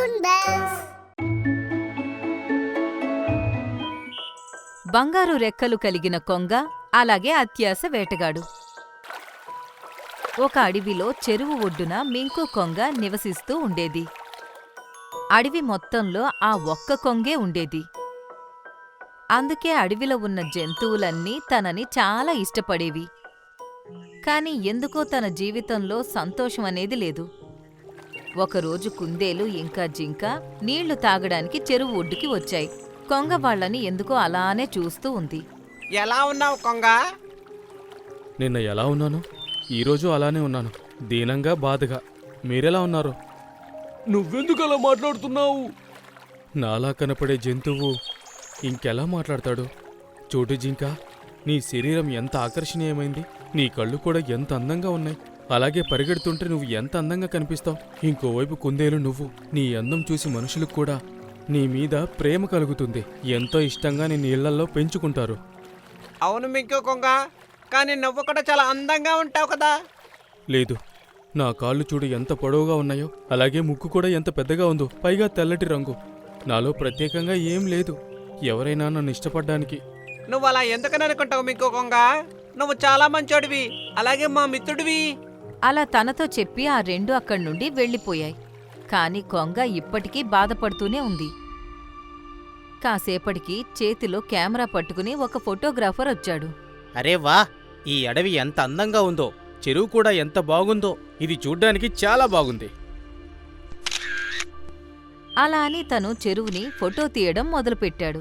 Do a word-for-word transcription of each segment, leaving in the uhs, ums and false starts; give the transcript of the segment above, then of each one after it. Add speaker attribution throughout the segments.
Speaker 1: Cartoon bells.
Speaker 2: బంగారు రెక్కలు కలిగిన కొంగ, అలాగే అత్యాస వేటగాడు. ఒక అడవిలో చెరువు ఒడ్డున మింకు కొంగ నివసిస్తూ ఉండేది. అడవి మొత్తంలో ఆ ఒక్క కొంగే ఉండేది. అందుకే అడవిలో ఉన్న జంతువులన్నీ తనని చాలా ఇష్టపడేవి. కాని ఎందుకో తన జీవితంలో సంతోషమనేది లేదు. ఒకరోజు కుందేలు ఇంకా జింక నీళ్లు తాగడానికి చెరువు ఒడ్డుకి వచ్చాయి. కొంగ వాళ్ళని ఎందుకో అలానే చూస్తూ ఉంది.
Speaker 3: ఎలా ఉన్నావు కొంగ?
Speaker 4: నిన్న ఎలా ఉన్నాను, ఈరోజు అలానే ఉన్నాను, దీనంగా బాధగా. మీరెలా ఉన్నారు? నువ్వెందుకు అలా మాట్లాడుతున్నావు? నాలా కనపడే జంతువు ఇంకెలా మాట్లాడతాడు? చోటు జింక, నీ శరీరం ఎంత ఆకర్షణీయమైంది, నీ కళ్ళు కూడా ఎంత అందంగా ఉన్నాయి. అలాగే పరిగెడుతుంటే నువ్వు ఎంత అందంగా కనిపిస్తావు. ఇంకోవైపు కుందేలు నువ్వు. నీ అందం చూసి మనుషులకు కూడా నీ మీద ప్రేమ కలుగుతుంది. ఎంతో ఇష్టంగా నీ నీళ్లల్లో పెంచుకుంటారు.
Speaker 3: అవును మింకు కొంగ, కానీ నువ్వు కూడా చాలా అందంగా ఉంటావు కదా.
Speaker 4: లేదు, నా కాళ్ళు చూడు ఎంత పొడవుగా ఉన్నాయో, అలాగే ముక్కు కూడా ఎంత పెద్దగా ఉందో, పైగా తెల్లటి రంగు. నాలో ప్రత్యేకంగా ఏం లేదు ఎవరైనా నన్ను ఇష్టపడ్డానికి.
Speaker 3: నువ్వు అలా ఎందుకని అనుకుంటావు మింకు కొంగ? నువ్వు చాలా మంచోడివి, అలాగే మా మిత్రుడివి.
Speaker 2: అలా తనతో చెప్పి ఆ రెండు అక్కడ్నుండి వెళ్ళిపోయాయి. కాని కొంగ ఇప్పటికీ బాధపడుతూనే ఉంది. కాసేపటికి చేతిలో కెమెరా పట్టుకుని ఒక ఫోటోగ్రాఫర్ వచ్చాడు.
Speaker 5: అరే వా, ఈ అడవి ఎంత అందంగా ఉందో, చెరువు కూడా ఎంత బాగుందో. ఇది చూడ్డానికి చాలా బాగుంది.
Speaker 2: అలా అని తను చెరువుని ఫోటో తీయడం మొదలుపెట్టాడు.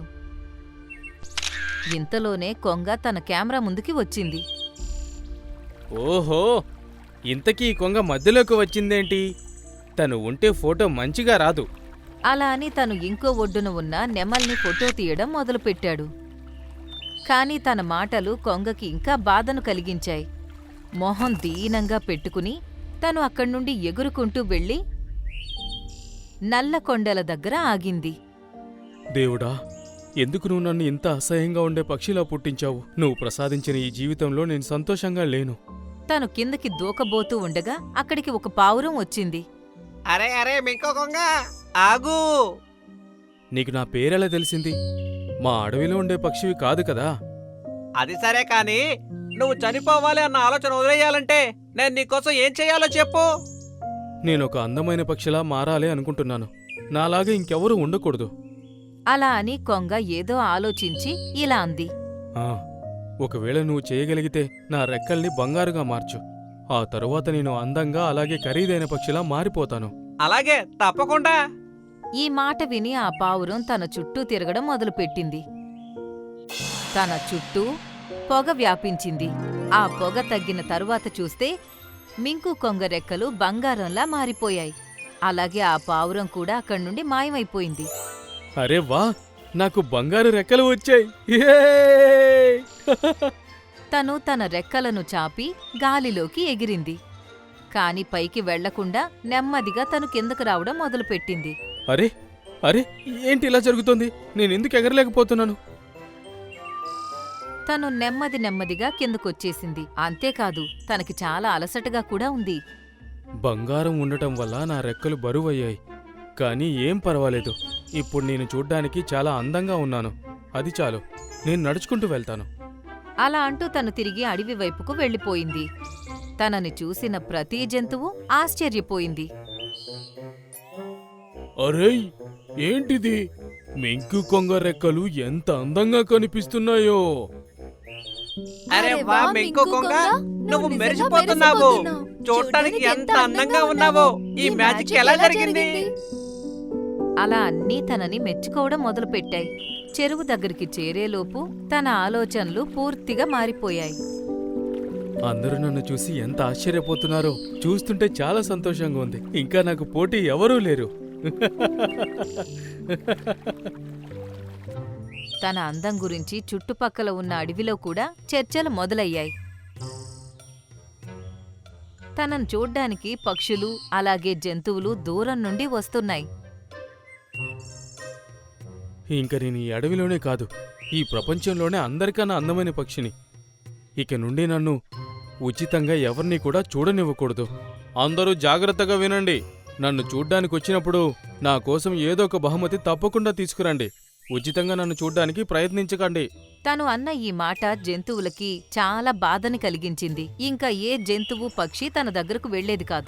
Speaker 2: ఇంతలోనే కొంగ తన కెమెరా ముందుకి వచ్చింది.
Speaker 5: ఓహో, ఇంతకీ ఈ కొంగ మధ్యలోకి వచ్చిందేంటి? తను ఉంటే ఫోటో మంచిగా రాదు.
Speaker 2: అలా అని తను ఇంకో ఒడ్డున ఉన్న నెమల్ని ఫోటో తీయడం మొదలుపెట్టాడు. కాని తన మాటలు కొంగకి ఇంకా బాధను కలిగించాయి. మొహం దీనంగా పెట్టుకుని తను అక్కడ్నుండి ఎగురుకుంటూ వెళ్ళి నల్ల కొండల దగ్గర ఆగింది.
Speaker 4: దేవుడా, ఎందుకు నువ్వు నన్ను ఇంత అసహ్యంగా ఉండే పక్షిలా పుట్టించావు? నువ్వు ప్రసాదించిన ఈ జీవితంలో నేను సంతోషంగా లేను.
Speaker 2: తను కిందకి దూకబోతూ ఉండగా అక్కడికి ఒక పావురం వచ్చింది.
Speaker 3: అరే అరే మింకు కొంగ, ఆగు.
Speaker 4: నీకు నా పేరెలా తెలిసింది? మా అడవిలో ఉండే పక్షివి కాదు కదా.
Speaker 3: అది సరే కాని, నువ్వు చనిపోవాలి అన్న ఆలోచన వదిలేయాలంటే నేను నీకోసం ఏం చెయ్యాలో చెప్పు.
Speaker 4: నేనొక అందమైన పక్షిలా మారాలి అనుకుంటున్నాను. నాలాగా ఇంకెవరూ ఉండకూడదు.
Speaker 2: అలా అని కొంగ ఏదో ఆలోచించి ఇలా అంది.
Speaker 4: ఆ, ఒకవేళ నువ్వు చేయగలిగితే నా రెక్కల్ని బంగారుగా మార్చు. ఆ తరువాత నేను అందంగా అలాగే ఖరీదైన పక్షిలా మారిపోతాను.
Speaker 3: అలాగే, తప్పకుండా.
Speaker 2: ఈ మాట విని ఆ పావురం తన చుట్టూ తిరగడం మొదలుపెట్టింది. తన చుట్టూ పొగ వ్యాపించింది. ఆ పొగ తగ్గిన తరువాత చూస్తే మింకు కొంగ రెక్కలు బంగారంలా మారిపోయాయి. అలాగే ఆ పావురం కూడా అక్కడ్నుండి మాయమైపోయింది.
Speaker 4: అరే వా, నాకు బంగారు రెక్కలు వచ్చాయి!
Speaker 2: తను తన రెక్కలను చాపి గాలిలోకి ఎగిరింది. కాని పైకి వెళ్లకుండా నెమ్మదిగా తను కిందకు రావడం మొదలుపెట్టింది.
Speaker 4: అరే అరే ఏంటి ఇలా జరుగుతోంది? నేనెందుకు ఎగరలేకపోతున్నాను?
Speaker 2: తను నెమ్మది నెమ్మదిగా కిందకొచ్చేసింది. అంతేకాదు, తనకి చాలా అలసటగా కూడా ఉంది.
Speaker 4: బంగారం ఉండటం వల్ల నా రెక్కలు బరువయ్యాయి. కానీ ఏం పర్వాలేదు, ఇప్పుడు నేను చూడ్డానికి చాలా అందంగా ఉన్నాను. అది చాలు, నేను నడుచుకుంటూ వెళ్తాను.
Speaker 2: అలా అంటూ తను తిరిగి అడవి వైపుకు వెళ్ళిపోయింది. తనని చూసిన ప్రతి జంతువు ఆశ్చర్యపోయింది.
Speaker 4: అరే, ఏంటిది? మింకు కొంగ రెక్కలు ఎంత అందంగా కనిపిస్తున్నాయో!
Speaker 3: అరే వా మింకు కొంగ, నువ్వు మెరిసిపోతున్నావు. చూడటానికి ఎంత అందంగా ఉన్నావో. ఈ మ్యాజిక్ ఎలా జరిగింది?
Speaker 2: అలా అన్నీ తనని మెచ్చుకోవడం మొదలుపెట్టాయి. చెరువు దగ్గరికి చేరేలోపు తన ఆలోచనలు పూర్తిగా మారిపోయాయి.
Speaker 4: అందరూ నన్ను చూసి ఎంత ఆశ్చర్యపోతున్నారో చూస్తుంటే చాలా సంతోషంగా ఉంది. ఇంకా నాకు పోటీ ఎవరూ లేరు.
Speaker 2: తన అందం గురించి చుట్టుపక్కల ఉన్న అడవిలో కూడా చర్చలు మొదలయ్యాయి. తనను చూడ్డానికి పక్షులు అలాగే జంతువులు దూరం నుండి వస్తున్నాయి.
Speaker 4: ఇంక నేను ఈ అడవిలోనే కాదు, ఈ ప్రపంచంలోనే అందరికన్నా అందమైన పక్షిని. ఇక నుండి నన్ను ఉచితంగా ఎవరిని కూడా చూడనివ్వకూడదు. అందరూ జాగ్రత్తగా వినండి. నన్ను చూడ్డానికి వచ్చినప్పుడు నా కోసం ఏదో ఒక బహుమతి తప్పకుండా తీసుకురండి. ఉచితంగా నన్ను చూడ్డానికి ప్రయత్నించకండి.
Speaker 2: తను అన్న ఈ మాట జంతువులకి చాలా బాధని కలిగించింది. ఇంకా ఏ జంతువు పక్షి తన దగ్గరకు వెళ్లేది కాదు.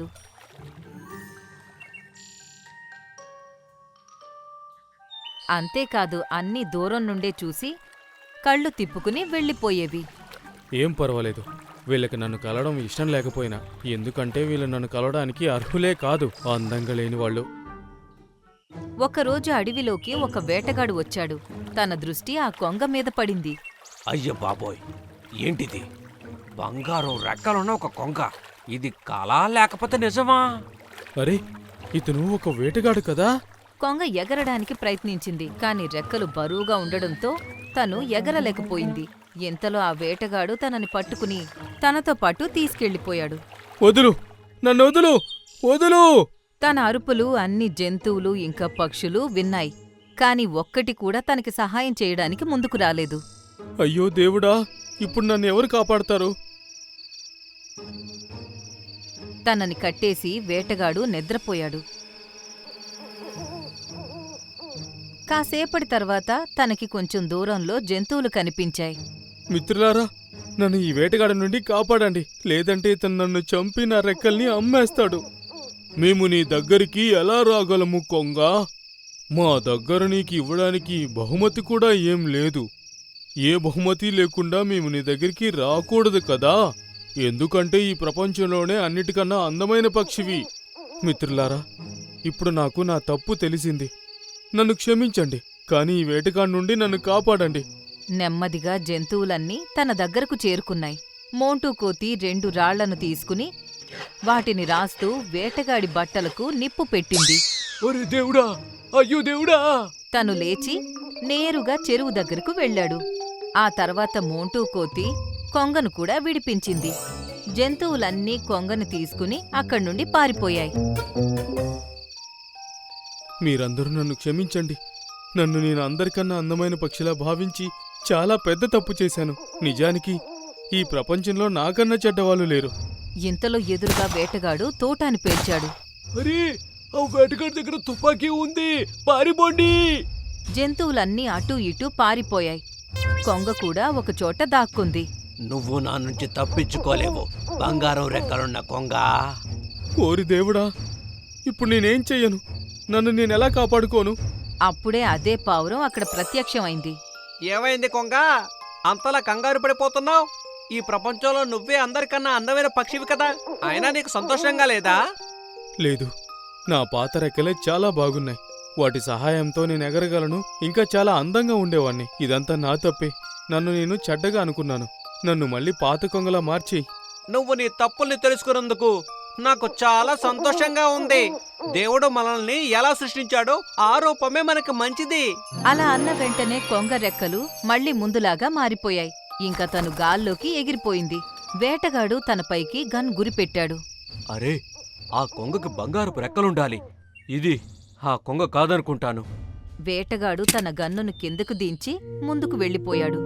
Speaker 2: అంతేకాదు అన్నీ దూరం నుండే చూసి కళ్ళు తిప్పుకుని వెళ్ళిపోయేవి.
Speaker 4: ఏం పర్వాలేదు, వీళ్ళకి నన్ను కలవడం ఇష్టం లేకపోయినా, ఎందుకంటే వీళ్ళు నన్ను కలవడానికి అర్హులే కాదు, అందంగా లేని వాళ్ళు.
Speaker 2: ఒకరోజు అడవిలోకి ఒక వేటగాడు వచ్చాడు. తన దృష్టి ఆ కొంగ మీద పడింది.
Speaker 3: అయ్య బాబోయ్, ఏంటిది? బంగారం రెక్కలున్న ఒక కొంగ. ఇది కళా లేకపోతే నిజమా?
Speaker 4: అరే, ఇతను ఒక వేటగాడు కదా?
Speaker 2: కొంగ ఎగరడానికి ప్రయత్నించింది, కాని రెక్కలు బరువుగా ఉండడంతో తను ఎగరలేకపోయింది. ఇంతలో ఆ వేటగాడు తనని పట్టుకుని తనతో పాటు తీసుకెళ్లిపోయాడు.
Speaker 4: వదులు, నన్ను వదులు, వదులు!
Speaker 2: తన అరుపులు అన్ని జంతువులు ఇంకా పక్షులు విన్నాయి, కాని ఒక్కటి కూడా తనకి సహాయం చేయడానికి ముందుకు రాలేదు.
Speaker 4: అయ్యో దేవుడా, ఇప్పుడు నన్ను ఎవరు కాపాడతారు?
Speaker 2: తనని కట్టేసి వేటగాడు నిద్రపోయాడు. కాసేపటి తర్వాత తనకి కొంచెం దూరంలో జంతువులు కనిపించాయి.
Speaker 4: మిత్రులారా, నన్ను ఈ వేటగాడి నుండి కాపాడండి, లేదంటే ఇతను నన్ను చంపి నా రెక్కల్ని అమ్మేస్తాడు. మేము నీ దగ్గరికి ఎలా రాగలము కొంగా? మా దగ్గర నీకు ఇవ్వడానికి బహుమతి కూడా ఏం లేదు. ఏ బహుమతి లేకుండా మేము నీ దగ్గరికి రాకూడదు కదా, ఎందుకంటే ఈ ప్రపంచంలోనే అన్నిటికన్నా అందమైన పక్షివి. మిత్రులారా, ఇప్పుడు నాకు నా తప్పు తెలిసింది. నన్ను క్షమించండి, కానీ ఈ వేటగాడి నుండి నన్ను కాపాడండి.
Speaker 2: నెమ్మదిగా జంతువులన్నీ తన దగ్గరకు చేరుకున్నాయి. మోంటూ కోతి రెండు రాళ్లను తీసుకుని వాటిని రాస్తూ వేటగాడి బట్టలకు నిప్పు పెట్టింది.
Speaker 3: ఒరే దేవుడా, అయ్యో దేవుడా!
Speaker 2: తను లేచి నేరుగా చెరువు దగ్గరకు వెళ్ళాడు. ఆ తర్వాత మోంటూ కోతి కొంగను కూడా విడిపించింది. జంతువులన్నీ కొంగను తీసుకుని అక్కడి నుండి పారిపోయాయి.
Speaker 4: మీరందరూ నన్ను క్షమించండి. నన్ను నేను అందరికన్నా అందమైన పక్షిలా భావించి చాలా పెద్ద తప్పు చేశాను. నిజానికి ఈ ప్రపంచంలో నాకన్నా చెడ్డవాళ్ళు లేరు.
Speaker 2: ఇంతలో ఎదురుగా వేటగాడు తోటాని పేల్చాడు.
Speaker 3: అరే, ఆ వేటగాడి దగ్గర తుపాకీ ఉంది, పారిపోండి!
Speaker 2: జంతువులన్నీ అటూ ఇటూ పారిపోయాయి. కొంగ కూడా ఒకచోట దాక్కుంది.
Speaker 3: నువ్వు నా నుంచి తప్పించుకోలేవు, బంగారం రెక్కలున్న కొంగ.
Speaker 4: ఓరి దేవుడా, ఇప్పుడు నేనేం చెయ్యను? నన్ను నేనెలా కాపాడుకోను?
Speaker 2: అప్పుడే అదే పావురం అక్కడ ప్రత్యక్షమైంది.
Speaker 3: ఏమైంది కొంగ? అంతలా కంగారు పడిపోతున్నావు? ఈ ప్రపంచంలో నువ్వే అందరికన్నా అందమైన పక్షివి కదా, అయినా నీకు సంతోషంగా లేదా?
Speaker 4: లేదు, నా పాత రెక్కలే చాలా బాగున్నాయి. వాటి సహాయంతో నేను ఎగరగలను, ఇంకా చాలా అందంగా ఉండేవాణ్ణి. ఇదంతా నా తప్పే. నన్ను నేను చెడ్డగా అనుకున్నాను. నన్ను మళ్ళీ పాత కొంగలా మార్చి.
Speaker 3: నువ్వు నీ తప్పుల్ని తెలుసుకున్నందుకు నాకు చాలా సంతోషంగా ఉంది. దేవుడు మనల్ని ఎలా సృష్టించాడో ఆ రూపమే మనకి మంచిది.
Speaker 2: అలా అన్న వెంటనే కొంగ రెక్కలు మళ్లీ ముందులాగా మారిపోయాయి. ఇంకా తను గాల్లోకి ఎగిరిపోయింది. వేటగాడు తనపైకి గన్ గురిపెట్టాడు.
Speaker 3: అరే, ఆ కొంగకి బంగారపు రెక్కలుండాలి. ఇది ఆ కొంగ కాదనుకుంటాను.
Speaker 2: వేటగాడు తన గన్నును కిందకు దించి ముందుకు వెళ్ళిపోయాడు.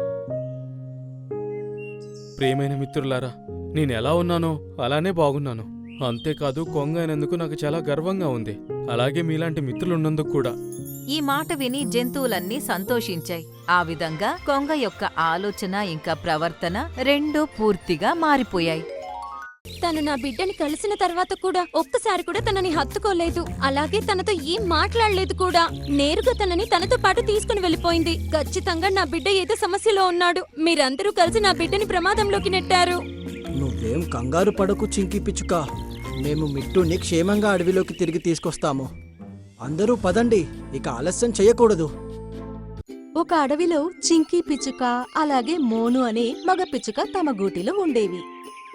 Speaker 4: ప్రియమైన మిత్రులారా, నేనెలా ఉన్నానో అలానే బాగున్నాను. అంతేకాదు, కొంగ అయినందుకు నాకు చాలా గర్వంగా ఉంది. అలాగే మీలాంటి మిత్రులున్నందుకు కూడా.
Speaker 2: ఈ మాట విని జంతువులన్నీ సంతోషించాయి. ఆ విధంగా కొంగ యొక్క ఆలోచన ఇంకా ప్రవర్తన రెండూ పూర్తిగా మారిపోయాయి.
Speaker 1: తను నా బిడ్డని కలిసిన తర్వాత కూడా ఒక్కసారి కూడా తనని హత్తుకోలేదు. అలాగే తనతో ఏం మాట్లాడలేదు కూడా. నేరుగా తనని తనతో పాటు తీసుకుని వెళ్ళిపోయింది. ఖచ్చితంగా నా బిడ్డ ఏదో సమస్యలో ఉన్నాడు. మీరందరూ కలిసి నా బిడ్డని ప్రమాదంలోకి నెట్టారు.
Speaker 6: నువ్వేం కంగారు పడకు చింకి పిచ్చుక, మేము మిట్టుని క్షేమంగా అడవిలోకి తిరిగి తీసుకొస్తాము. అందరూ పదండి, ఇక ఆలస్యం చేయకూడదు.
Speaker 1: ఒక అడవిలో చింకీ పిచ్చుక అలాగే మోను అనే మగ పిచ్చుక తమ గూటిలో ఉండేవి.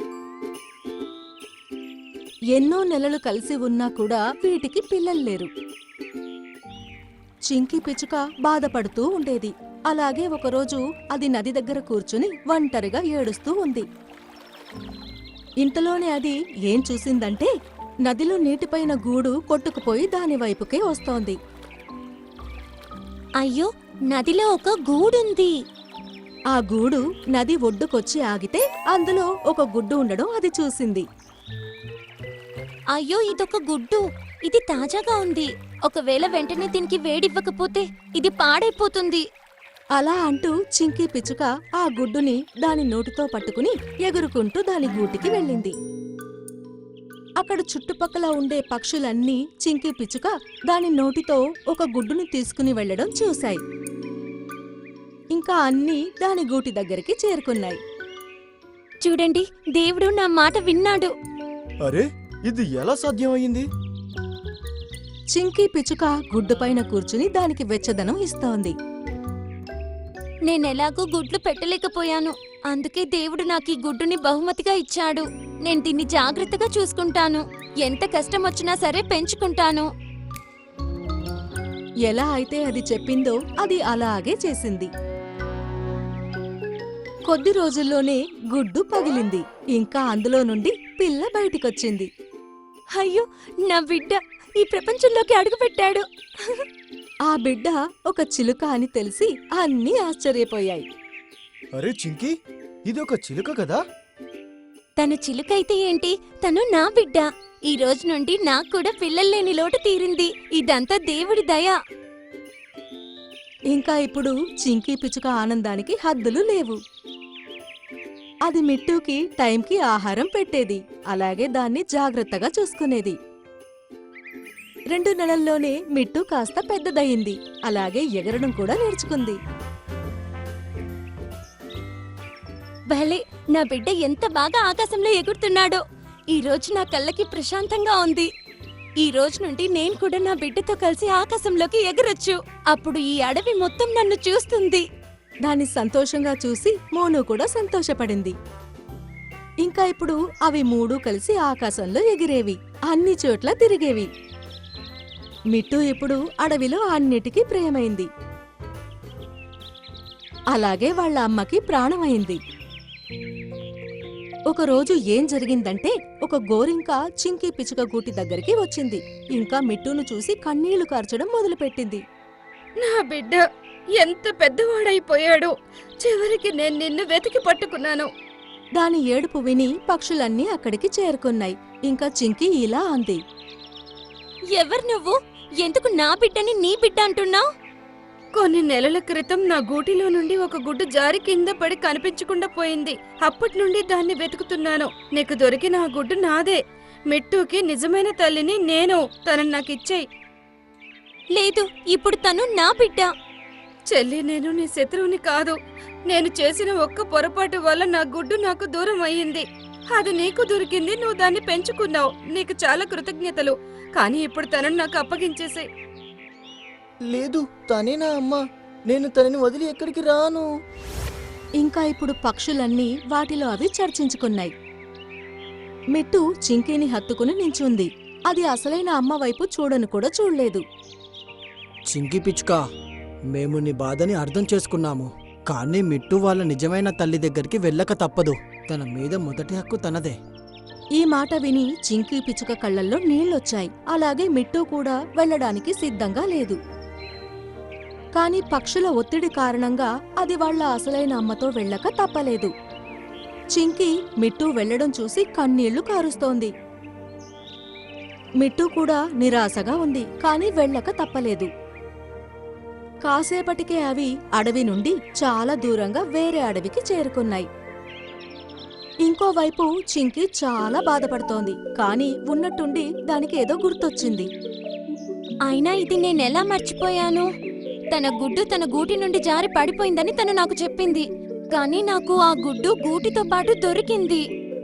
Speaker 1: ఎన్నో నెలలు కలిసి ఉన్నా కూడా వీటికి పిల్లలు లేరు. చింకీ పిచ్చుక బాధపడుతూ ఉండేది. అలాగే ఒకరోజు అది నది దగ్గర కూర్చుని ఒంటరిగా ఏడుస్తూ ఉంది. ఇంతలోనే అది ఏం చూసిందంటే నదిలో నీటిపైన గూడు కొట్టుకుపోయి దాని వైపుకే వస్తోంది. అయ్యో, నదిలో ఒక గూడుంది. ఆ గూడు నది ఒడ్డుకొచ్చి ఆగితే అందులో ఒక గుడ్డు ఉండడం అది చూసింది. అయ్యో ఇదొక గుడ్డు. ఇది తాజాగా ఉంది. ఒకవేళ వెంటనే దీనికి వేడివ్వకపోతే ఇది పాడైపోతుంది.
Speaker 7: అలా అంటూ చింకీ పిచ్చుక ఆ గుడ్డుని దాని నోటితో పట్టుకుని ఎగురుకుంటూ దాని గూటికి వెళ్ళింది. అక్కడ చుట్టుపక్కల ఉండే పక్షులన్నీ చింకీ పిచ్చుక దాని నోటితో ఒక గుడ్డుని తీసుకుని వెళ్లడం చూశాయి. ఇంకా అన్నీ దాని గూటి దగ్గరికి చేరుకున్నాయి.
Speaker 1: చూడండి, దేవుడు నా మాట విన్నాడు.
Speaker 6: అరే ఇది ఎలా సాధ్యమయ్యింది?
Speaker 7: చింకీ పిచ్చుక గుడ్డుపైన కూర్చుని దానికి వెచ్చదనం ఇస్తోంది.
Speaker 1: నేనెలాగూ గుడ్లు పెట్టలేకపోయాను. అందుకే దేవుడు నాకు ఈ గుడ్డుని బహుమతిగా ఇచ్చాడు. నేను దీన్ని జాగ్రత్తగా చూసుకుంటాను. ఎంత కష్టం వచ్చినా సరే పెంచుకుంటాను.
Speaker 7: ఎలా అయితే అది చెప్పిందో అది అలాగే చేసింది. కొద్ది రోజుల్లోనే గుడ్డు పగిలింది. ఇంకా అందులో నుండి పిల్ల బయటికొచ్చింది.
Speaker 1: అయ్యో, నా బిడ్డ ఈ ప్రపంచంలోకి అడుగుపెట్టాడు.
Speaker 7: ఆ బిడ్డ ఒక చిలుక అని తెలిసి అన్నీ ఆశ్చర్యపోయాయి.
Speaker 6: అరే చింకీ, ఇది ఒక చిలుక కదా?
Speaker 1: తను చిలుకైతే ఏంటి, తను నా బిడ్డ. ఈ రోజు నుండి నాకు కూడా పిల్లల్లేని లోటు తీరింది. ఇదంతా దేవుడి దయ.
Speaker 7: ఇంకా ఇప్పుడు చింకీ పిచ్చుక ఆనందానికి హద్దులు లేవు. అది మిట్టుకి టైంకి ఆహారం పెట్టేది. అలాగే దాన్ని జాగ్రత్తగా చూసుకునేది. రెండు నెలల్లోనే మిట్టు కాస్త పెద్దదయింది. అలాగే ఎగరడం కూడా నేర్చుకుంది.
Speaker 1: భలే, నా బిడ్డ ఎంత బాగా ఆకాశంలో ఎగురుతున్నాడో. ఈ రోజు నా కళ్ళకి ప్రశాంతంగా ఉంది. ఈ రోజు నుండి నేను కూడా నా బిడ్డతో కలిసి ఆకాశంలోకి ఎగరొచ్చు. అప్పుడు ఈ అడవి మొత్తం నన్ను చూస్తుంది.
Speaker 7: దాన్ని సంతోషంగా చూసి మోను కూడా సంతోషపడింది. ఇంకా ఇప్పుడు అవి మూడు కలిసి ఆకాశంలో ఎగిరేవి. అన్ని చోట్ల తిరిగేవి. మిట్టు ఇప్పుడు అడవిలో అన్నిటికీ ప్రియమైంది. అలాగే వాళ్ళ అమ్మకి ప్రాణమైంది. ఒకరోజు ఏం జరిగిందంటే ఒక గోరింక చింకీ పిచ్చుక గూటి దగ్గరికి వచ్చింది. ఇంకా మిట్టును చూసి కన్నీళ్లు కార్చడం మొదలుపెట్టింది.
Speaker 8: నా బిడ్డ ఎంత పెద్దవాడైపోయాడు. చివరికి నేను నిన్ను వెతికి పట్టుకున్నాను.
Speaker 7: దాని ఏడుపు విని పక్షులన్నీ అక్కడికి చేరుకున్నాయి. ఇంకా చింకీ ఇలా అంది.
Speaker 1: ఎవరు నువ్వు? ఎందుకు నా బిడ్డని నీ బిడ్డ అంటున్నావు?
Speaker 8: కొన్ని నెలల క్రితం నా గూటిలో నుండి ఒక గుడ్డు జారి కింద పడి కనిపించకుండా పోయింది. అప్పటి నుండి దాన్ని వెతుకుతున్నాను. నీకు దొరికిన ఆ గుడ్డు నాదే. మిట్టుకి నిజమైన తల్లిని నేను. తనని నాకిచ్చేయ్.
Speaker 1: లేదు, ఇప్పుడు తను నా బిడ్డ.
Speaker 8: చెల్లి, నేను నీ శత్రువుని కాదు. నేను చేసిన ఒక్క పొరపాటు వల్ల నా గుడ్డు నాకు దూరం అయ్యింది. అది నీకు దొరికింది, నువ్వు దాన్ని పెంచుకున్నావు. నీకు చాలా కృతజ్ఞతలు. కానీ ఇప్పుడు తనను నాకు అప్పగించేసే.
Speaker 6: లేదు, తనే నా అమ్మ. నేను తనని వదిలి ఎక్కడికి రాను.
Speaker 7: ఇంకా ఇప్పుడు పక్షులన్నీ వాటిలో అవి చర్చించుకున్నాయి. మిట్టు చింకీని హత్తుకుని నించుంది. అది అసలైన అమ్మ వైపు చూడను కూడా చూడలేదు.
Speaker 6: చింకీ పిచ్చుక, మేము నీ బాధని అర్థం చేసుకున్నాము. కానీ మిట్టు వాళ్ళ నిజమైన తల్లి దగ్గరికి వెళ్ళక తప్పదు. తన మీద మొదటి హక్కు తనదే.
Speaker 7: ఈ మాట విని చింకీ పిచ్చుక కళ్ళల్లో నీళ్లొచ్చాయి. అలాగే మిట్టు కూడా వెళ్ళడానికి సిద్ధంగా లేదు. కాని పక్షుల ఒత్తిడి కారణంగా అది వాళ్ళ అసలైన అమ్మతో వెళ్ళక తప్పలేదు. చింకీ మిట్టు వెళ్లడం చూసి కన్నీళ్లు కారుస్తోంది. మిట్టు కూడా నిరాశగా ఉంది. కాని వెళ్ళక తప్పలేదు. కాసేపటికే అవి అడవి నుండి చాలా దూరంగా వేరే అడవికి చేరుకున్నాయి. ఇంకోవైపు చింకీ చాలా బాధపడుతోంది. కాని ఉన్నట్టుండి దానికి ఏదో గుర్తొచ్చింది.
Speaker 1: అయినా ఇది నేనెలా మర్చిపోయాను? తన గుడ్డు తన గూటి నుండి జారి పడిపోయిందని తను నాకు చెప్పింది. కానీ నాకు ఆ గుడ్డు గూటితో పాటు దొరికింది.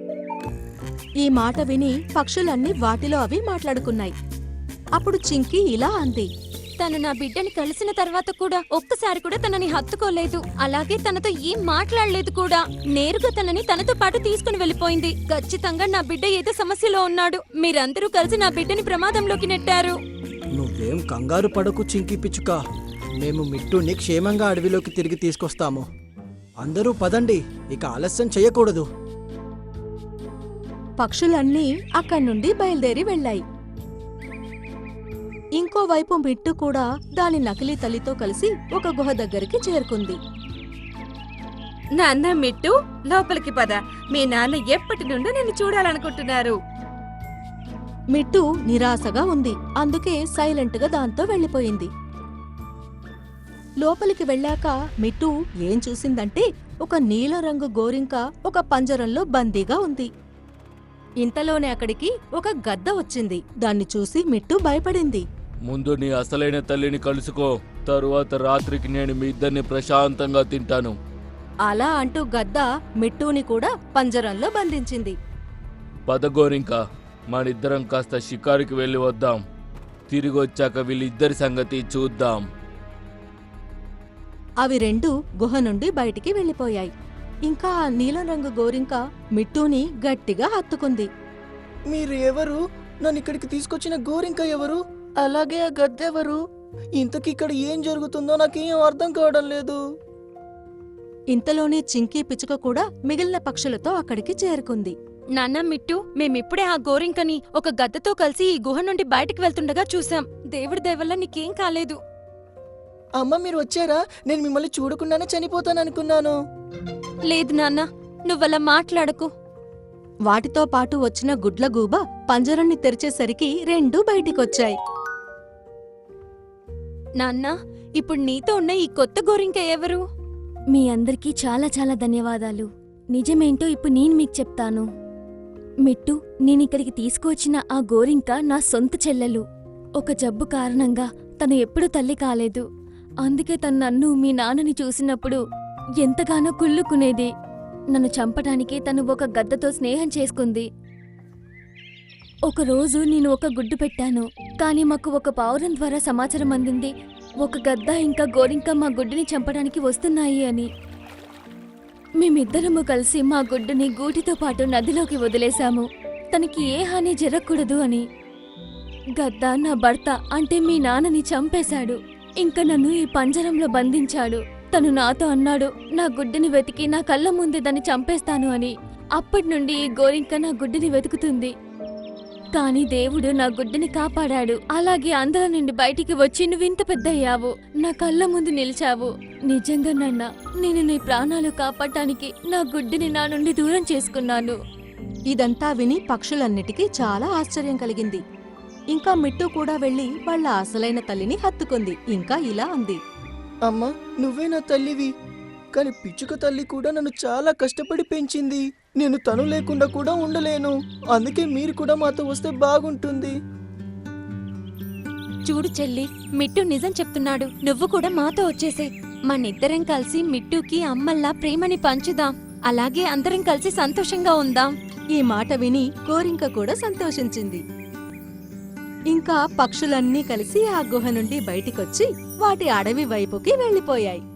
Speaker 7: ఈ మాట విని పక్షులన్నీ వాటిలో అవి మాట్లాడుకున్నాయి. అప్పుడు చింకీ ఇలా అంది.
Speaker 1: తను నా బిడ్డని కలిసిన తర్వాత కూడా ఒక్కసారి కూడా తనని హత్తుకోలేదు. అలాగే తనతో ఏం మాట్లాడలేదు కూడా. నేరుగా తనని తనతో పాటు తీసుకుని వెళ్ళిపోయింది. ఖచ్చితంగా నా బిడ్డ ఏదో సమస్యలో ఉన్నాడు. మీరందరూ కలిసి నా బిడ్డని ప్రమాదంలోకి నెట్టారు.
Speaker 6: నువ్వేం కంగారు పడకు చింకీ పిచ్చుక. మేము మిట్టుని క్షేమంగా అడవిలోకి తిరిగి తీసుకొస్తాము. అందరూ పదండి, ఇక ఆలస్యం చెయ్యకూడదు.
Speaker 7: పక్షులన్నీ అక్కడి నుండి బయలుదేరి వెళ్ళాయి. ఇంకోవైపు మిట్టు కూడా దాని నకిలీ తల్లితో కలిసి ఒక గుహ దగ్గరికి చేరుకుంది.
Speaker 8: నాన్న మిట్టు, లోపలికి పద. మీ నాన్న ఎప్పటి నుండో నిన్ను చూడాలనుకుంటున్నారు.
Speaker 7: మిట్టు నిరాశగా ఉంది, అందుకే సైలెంట్గా దాంతో వెళ్ళిపోయింది. లోపలికి వెళ్ళాక మిట్టు ఏం చూసిందంటే ఒక నీలరంగు గోరింక ఒక పంజరంలో బందీగా ఉంది. ఇంతలోనే అక్కడికి ఒక గద్ద వచ్చింది. దాన్ని చూసి మిట్టు భయపడింది.
Speaker 9: ముందు నీ అసలైన తల్లిని కలుసుకో, తరువాత రాత్రికి నేను మీ ఇద్దరిని ప్రశాంతంగా తింటాను.
Speaker 7: అలా అంటూ గద్ద మిట్టూని కూడా పంజరంలో బంధించింది.
Speaker 9: పదగోరింక, మనిద్దరం కాస్త షికారుకి వెళ్ళి వద్దాం. తిరిగొచ్చాక వీళ్ళిద్దరి సంగతి చూద్దాం.
Speaker 7: అవి రెండు గుహ నుండి బయటికి వెళ్ళిపోయాయి. ఇంకా ఆ నీలం రంగు గోరింక మిట్టూని గట్టిగా హత్తుకుంది.
Speaker 6: మీరు ఎవరు? నన్ను ఇక్కడికి తీసుకొచ్చిన గోరింక ఎవరు? అలాగే ఆ గద్దెవరు? ఇంతకి ఇక్కడ ఏం జరుగుతుందో నాకేం అర్థం కావడం లేదు.
Speaker 7: ఇంతలోనే చింకీ పిచ్చుక కూడా మిగిలిన పక్షులతో అక్కడికి చేరుకుంది.
Speaker 1: నాన్న మిట్టు, మేమిప్పుడే ఆ గోరింకని ఒక గద్దతో కలిసి ఈ గుహ నుండి బయటికి వెళ్తుండగా చూసాం. దేవుడి దయవల్ల నీకేం కాలేదు.
Speaker 6: అమ్మ, మీరు వచ్చారా? నేను మిమ్మల్ని చూడకుండానే చనిపోతాననుకున్నాను.
Speaker 1: లేదు నాన్న, నువ్వలా మాట్లాడకు.
Speaker 7: వాటితో పాటు వచ్చిన గుడ్లగూబ పంజరాన్ని తెరిచేసరికి రెండూ బయటికొచ్చాయి.
Speaker 1: నాన్న, ఇప్పుడు నీతో ఉన్న ఈ కొత్త గోరింక ఎవరు?
Speaker 10: మీ అందరికీ చాలా చాలా ధన్యవాదాలు. నిజమేంటో ఇప్పుడు నేను మీకు చెప్తాను. మిట్టు, నేనిక్కడికి తీసుకువచ్చిన ఆ గోరింక నా సొంత చెల్లెలు. ఒక జబ్బు కారణంగా తను ఎప్పుడూ తల్లి కాలేదు. అందుకే తను నన్ను మీ నాన్నని చూసినప్పుడు ఎంతగానో కుళ్ళుకునేది. నన్ను చంపటానికి తను ఒక గద్దతో స్నేహం చేసుకుంది. ఒకరోజు నేను ఒక గుడ్డు పెట్టాను, కానీ మాకు ఒక పావురం ద్వారా సమాచారం అందింది ఒక గద్ద ఇంకా గోరింక మా గుడ్డుని చంపడానికి వస్తున్నాయి అని. మేమిద్దరము కలిసి మా గుడ్డుని గూటితో పాటు నదిలోకి వదిలేశాము, తనకి ఏ హాని జరగకూడదు అని. గద్ద నా భర్త అంటే మీ నాన్నని చంపేశాడు. ఇంకా నన్ను ఈ పంజరంలో బంధించాడు. తను నాతో అన్నాడు, నా గుడ్డుని వెతికి నా కళ్ళ ముందే దాన్ని చంపేస్తాను అని. అప్పటి నుండి ఈ గోరింక నా గుడ్డుని వెతుకుతుంది. కాని దేవుడు నా గుడ్డుని కాపాడాడు. అలాగే అందరి నుండి బయటికి వచ్చి నువ్వింత పెద్దయ్యావు, నా కళ్ళ ముందు నిలిచావు. నిజంగా నాన్న, నేను నీ ప్రాణాలు కాపాడటానికి నా గుడ్డుని నా నుండి దూరం చేసుకున్నాను.
Speaker 7: ఇదంతా విని పక్షులన్నిటికీ చాలా ఆశ్చర్యం కలిగింది. ఇంకా మిట్టు కూడా వెళ్లి వాళ్ళ అసలైన తల్లిని హత్తుకుంది. ఇంకా ఇలా అంది,
Speaker 6: అమ్మా, నువ్వే నా తల్లివి. కానీ పిచ్చుక తల్లి కూడా నన్ను చాలా కష్టపడి పెంచింది. నేను తను లేకుండా కూడా ఉండలేను. అందుకే మీరు కూడా మాతో వస్తే బాగుంటుంది.
Speaker 1: చూడు చెల్లి, మిట్టు నిజం చెప్తున్నాడు. నువ్వు కూడా మాతో వచ్చేసే. మనిద్దరం కలిసి మిట్టుకి అమ్మల్లా ప్రేమని పంచుదాం. అలాగే అందరం కలిసి సంతోషంగా ఉందాం.
Speaker 7: ఈ మాట విని గోరింక కూడా సంతోషించింది. ఇంకా పక్షులన్నీ కలిసి ఆ గుహ నుండి బయటికొచ్చి వాటి అడవి వైపుకి వెళ్ళిపోయాయి.